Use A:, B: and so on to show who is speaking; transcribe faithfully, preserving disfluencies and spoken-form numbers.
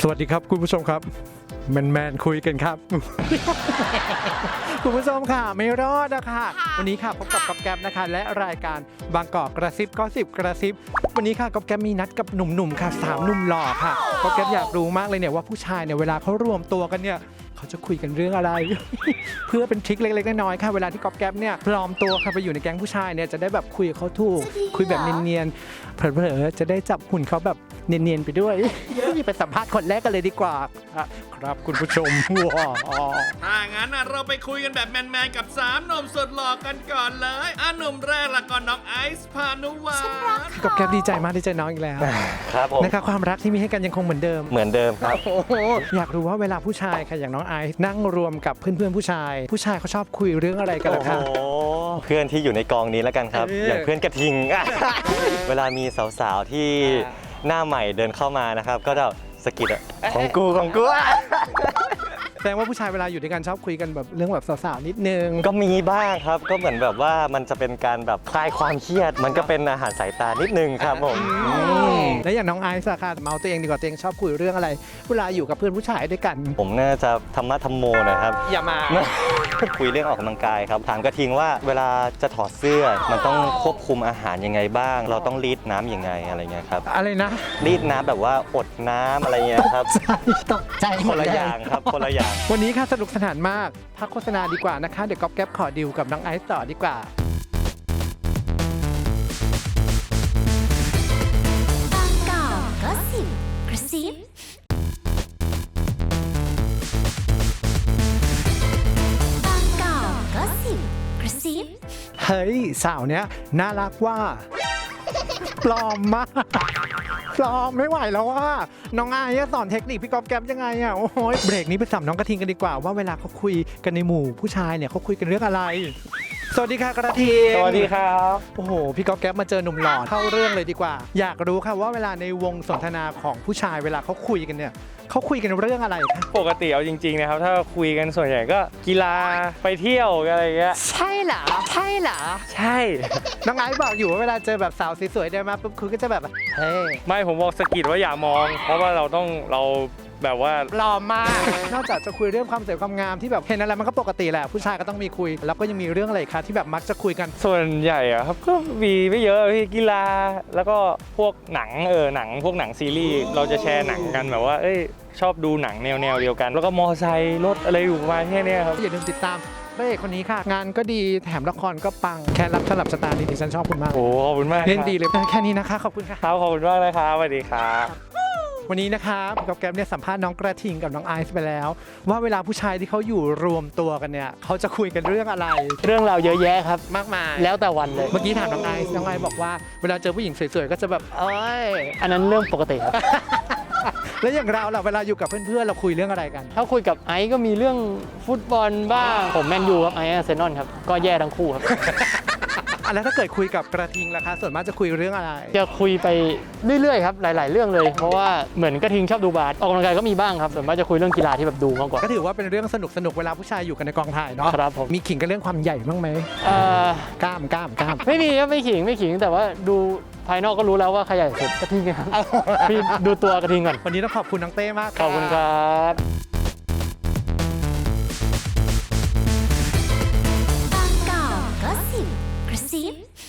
A: วัสดีครับคุณผู้ชมครับแมนแมนคุยกันครับ คุณผู้ชมค่ะไม่รอดนะคะวันนี้ค่ะพบกับก๊อฟแก๊ปนะคะและรายการบางกอกกระซิบก็สิบกระซิบวันนี้ค่ะก๊อฟแก๊ปมีนัดกับหนุ่มๆค่ะสามหนุ่มหล่อค่ะก๊อฟแก๊ปอยากรู้มากเลยเนี่ยว่าผู้ชายเนี่ยเวลาเขารวมตัวกันเนี่ยเขาจะคุยกันเรื่องอะไร เพื่อเป็นทริคเล็กๆน้อยๆค่ะเวลาที่ก๊อฟแก๊ปเนี่ยปลอมตัวค่ะไปอยู่ในแก๊งผู้ชายเนี่ยจะได้แบบคุยกับเขาถูกคุยแบบเนียนๆเผลอๆจะได้จับหุ่นเขาแบบเนียนๆไปด้วย ไปสัมภาษณ์คนแรกกันเลยดีกว่าครับคุณผู้ชม ว้าว
B: ถ้างั้นเราไปคุยกันแบบแมนๆกับสามหนุ่มสุดหล่อกันก่อนเลยอ่ะหนุ่มแรกละก่อนน้องไอซ์พานุวัฒน์
A: ก๊อฟแก๊ปดีใจมากที่เจอน้องอีกแล้ว
C: ครับผม
A: นะคะความรักที่มีให้กันยังคงเหมือนเดิม
C: เหมือนเดิมครับ
A: อยากรู้ว่าเวลาผู้ชายค่ะอย่างน้องไอซ์นั่งรวมกับเพื่อนๆผู้ชาย ผู้ชายเขาชอบคุยเรื่องอะไรกันล่ะคะ
C: โอ้โหเพื่อนที่อยู่ในกองนี้แล้วกันครับ
A: เออ
C: อ
A: อ
C: ย่างเพื่อนกระทิง เวลามีสาวๆที่หน้าใหม่เดินเข้ามานะครับ ก็จะสะกิดอะของกูของกู
A: แสดงว่าผู้ชายเวลาอยู่ด้วยกันชอบคุยกันแบบเรื่องแบบสาวๆนิดนึง
C: ก็มีบ้างครับ ก็เหมือนแบบว่ามันจะเป็นการแบบคลายความเครียด มันก็เป็นอาหารสายตานิดนึงครับผม
A: แล้วอย่างน้องไอซ์อะค่ะเมาตัวเองดีกว่าตัวเองชอบคุยเรื่องอะไร เวลาอยู่กับเพื่อนผู้ชายด้วยกัน
C: ผมน่าจะธรรมะธรรมโมหนะครับ
A: อย่ามา
C: คุยเรื่องออกกำลังกายครับ ถามกระทิงว่าเวลาจะถอดเสื้อ มันต้องควบคุมอาหารยังไงบ้าง เราต้องรีดน้ำยังไงอะไรเงี้ยครับ
A: อะไรนะ
C: รีดน้ำแบบว่าอดน้ำอะไรเงี้ยครับ
A: ตกใจห
C: ค
A: มด
C: นละ
A: เล
C: อย่างครับคนละอย่าง
A: วันนี้ค่ะสนุกสนานมากพักโฆษณาดีกว่านะคะ เดี๋ยวก๊อฟแก๊ปขอดิวกับน้องไอซ์ต่อดีกว่า
D: บางกอกก็สิบกระซิบางกอกก็สิบกระซิบ
A: เฮ้ยสาวเนี้ยน่ารักว่า ปลอมมากปลอมไม่ไหวแล้วว่าน้องไอซ์สอนเทคนิคพี่ก๊อฟแก๊ปยังไงอ่ะโอ้โหเบรกนี้ไปสัมน้องกระทิงกันดีกว่าว่าเวลาเขาคุยกันในหมู่ผู้ชายเนี่ยเขาคุยกันเรื่องอะไร สวัสดีค่ะกระทิง
C: สวัสดีครับ
A: โอ้โหพี่ก๊อฟแก๊ปมาเจอหนุ่มหล่อเข้าเรื่องเลยดีกว่า อยากรู้ค่ะว่าเวลาในวงสนทนาของผู้ชายเวลาเขาคุยกันเนี่ยเขาคุยกันเรื่องอะไรคะ
E: ปกติเอาจริงๆนะครับถ้าคุยกันส่วนใหญ่ก็กีฬาไปเที่ยวอะไรอย่างเงี้ย
A: ใช่เหรอใช่เหรอ
E: ใช่
A: น้องไอซ์บอกอยู่ว่าเวลาเจอแบบสาวสวยๆเดินมาปุ๊บคุณก็จะแบบเฮ้ย
E: ไม่ผมบอกสะกิดว่าอย่ามอง เพราะว่าเราต้องเราแบบว่า
A: ปลอมมาก นอกจากจะคุยเรื่องความสวยความงามที่แบบเห็นอะไรมันก็ปกติแหละผู้ชายก็ต้องมีคุย แล้วก็ยังมีเรื่องอะไรคะที่แบบมักจะคุยกัน
E: ส่วนใหญ่อะครับก็มีไม่เยอะพี่กีฬาแล้วก็พวกหนังเออหนังพวกหนังซีรีส์เราจะแชร์หนังกันแบบว่าเอ้ยชอบดูหนังแนวแนวๆเดียวกัน แล้วก็มอไซค์รถอะไรอยู่ประมาณแค่เนี้ยครับ
A: อย่าลืมติดตามพระเอกคนนี้ค่ะ งานก็ดีแถมละครก็ปังแค่รับสลับสตาร์นี่ดิฉันชอบคุณมาก
E: โอ้ขอบคุณมาก
A: เล่นดีเลยแค่นี้นะคะขอบคุณค่ะ
E: ครับขอบคุณมากนะครับสวัสดีครับ
A: วันนี้นะครับกับแกมเนี่ยสัมภาษณ์น้องกระทิงกับน้องไอซ์ไปแล้ว ว่าเวลาผู้ชายที่เขาอยู่รวมตัวกันเนี่ยเขาจะคุยกันเรื่องอะไร
F: เรื่องราวเยอะแยะครับ
A: มากมาย
F: แล้วแต่วันเลย
A: เมื่อกี้ถามน้องไอซ์น้องไอซ์บอกว่าเวลาเจอผู้หญิงสวยๆก็จะแบบเอ้ย
F: อันนั้นเรื่องปกติครับ
A: แล้วอย่างเราล่ะเวลาอยู่กับเพื่อนๆเราคุยเรื่องอะไรกัน
F: ถ้าคุยกับไอซ์ก็มีเรื่องฟุตบอลบ้าง ผมแมนยูครับไอซ์อาร์เซนอลครับ ก็แย่ทั้งคู่ครับ
A: อ่ะแล้วถ้าเกิดคุยกับกระทิงล่ะคะส่วนมากจะคุยเรื่องอะไร
F: จะคุยไปเรื่อยๆครับ หลายๆ เรื่องเลย เพราะว่าเหมือนกระทิงชอบดูบาสออกกำลังกายก็มีบ้างครับส่วนมากจะคุยเรื่องกีฬาที่แบบดูมากกว่า
A: ก็ถือว่าเป็นเรื่องสนุกสนุกๆเวลาผู้ชายอยู่กันในกองถ่ายเนาะ
F: ครับผม
A: มีขิงกันเรื่องความใหญ่บ้างไหม
F: เอ่อก
A: ล้ามกล้ามกล้าม
F: ไม่มีครับไม่ขิงไม่ขิง แต่ว่าดูภายนอกก็รู้แล้วว่าใครใหญ่สุดกระทิงครับพี่ดูตัวกระทิงก่อน
A: วันนี้ต้องขอบคุณน้องเต้มาก
F: ขอบคุณครับ
D: บางกอกก็สิบกระซิบ